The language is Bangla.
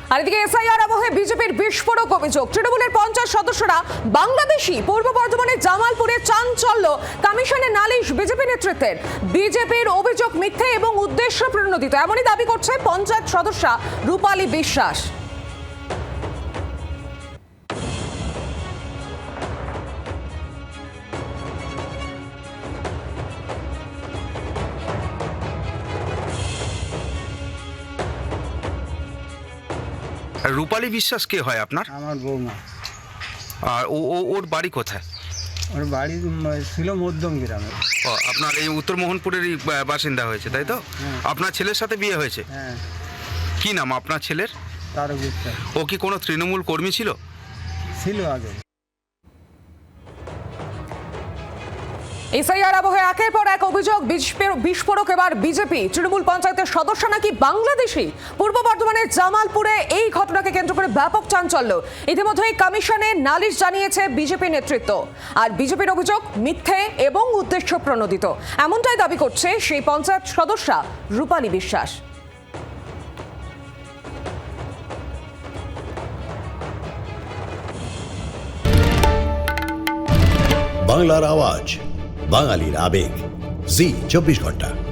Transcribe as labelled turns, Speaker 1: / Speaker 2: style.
Speaker 1: আর এদিকে এসআইআর আবহে বিজেপির বিস্ফোরক অভিযোগ, তৃণমূলের 50 সদস্যরা বাংলাদেশি। পূর্ব বর্ধমানের জামালপুরে চাঞ্চল্য, কমিশনে নালিশ বিজেপি নেতৃত্বের। বিজেপির অভিযোগ মিথ্যে এবং উদ্দেশ্য প্রণোদিত, এমনই দাবি করছে পঞ্চায়েত সদস্যা রূপালী বিশ্বাস।
Speaker 2: রূপালী বিশ্বাস কে হয় আপনার?
Speaker 3: আমার বৌমা।
Speaker 2: আর ওর বাড়ি কোথায়?
Speaker 3: ওর বাড়ি ছিল মধ্যম গ্রামে।
Speaker 2: ও, আপনার এই উত্তর মোহনপুরেরই বাসিন্দা হয়েছে, তাই তো? আপনার ছেলের সাথে বিয়ে হয়েছে?
Speaker 3: হ্যাঁ।
Speaker 2: কি নাম আপনার ছেলের?
Speaker 3: তারক বিশ্বাস।
Speaker 2: ও কি কোনো তৃণমূল কর্মী ছিল?
Speaker 3: ছিল আগে।
Speaker 1: এসআইআর আবহে একের পর এক অভিযোগ, বিস্ফোরক এবার বিজেপি। তৃণমূল পঞ্চায়েতের সদস্য নাকি বাংলাদেশি। পূর্ব বর্ধমানের জামালপুরে এই ঘটনাকে কেন্দ্র করে ব্যাপক চাঞ্চল্য। ইতিমধ্যেই কমিশনে নালিশ জানিয়েছে বিজেপি নেতৃত্ব। আর বিজেপির অভিযোগ মিথ্যে এবং উদ্দেশ্য প্রণোদিত, এমনটাই দাবি করছে সেই পঞ্চায়েত সদস্যা রূপালী বিশ্বাস।
Speaker 4: বাংলার আওয়াজ, বাঙালির আবেগ, জি 24 ঘন্টা।